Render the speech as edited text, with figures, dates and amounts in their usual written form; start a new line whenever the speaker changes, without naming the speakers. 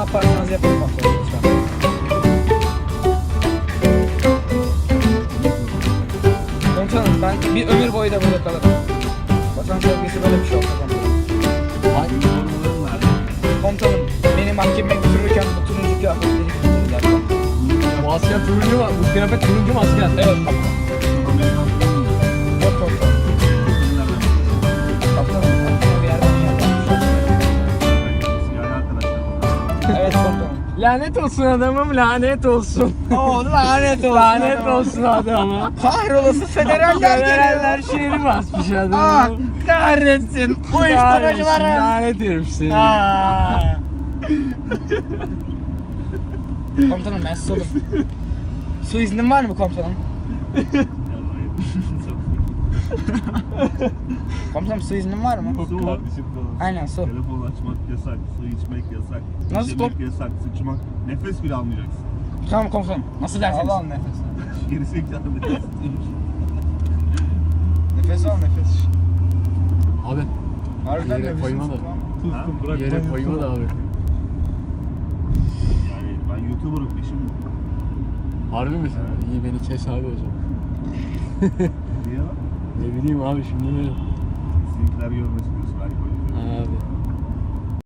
yaparsanız yapın komutanım lütfen. Komutanım ben bir ömür boyu da burada kalırım. Vatan sevgisi böyle bir şey olsa komutanım.
Hangi sorunların var?
Komutanım beni mahkemeye götürürken bu turuncu kıyafetleri giydirdiler komutanım.
Bu asker turuncu mu? Bu kıyafet turuncu mu asker?
Evet komutanım. Yok komutanım. Komutanım aklıma bir yerden Evet komutanım.
Lanet olsun adamım, lanet olsun.
Oo lanet olsun.
Lanet olsun adama.
Kahrolası federaller
Federaller şehri basmış
Ah
adamı.
kahretsin. Uyuşturucuları.
Lanet herif seni.
Komutanım ben susadım. Su iznin var mı komutanım? Komutanım su iznin var mı?
Su kardeşim falan.
Aynen su.
Telefon açmak yasak, su içmek yasak.
Nasıl
yemek yasak, sıçmak. Nefes bile almayacaksın.
Tamam komutanım. Nasıl dersiniz?
Al nefes.
Gerizekalı nefes.
Nefes al nefes.
Abi
Harbiden
yere
nefes
koyma da.
Tuttum bırak.
Yere koyma da abi.
Yani ben YouTuber'ım peşim.
Harbi mi sen? İyi beni kes abi o zaman.
Niye lan?
Ne bileyim abi şimdi.
Sizinkiler görmesin diyorsun. Belki koyuyorum.
Abi.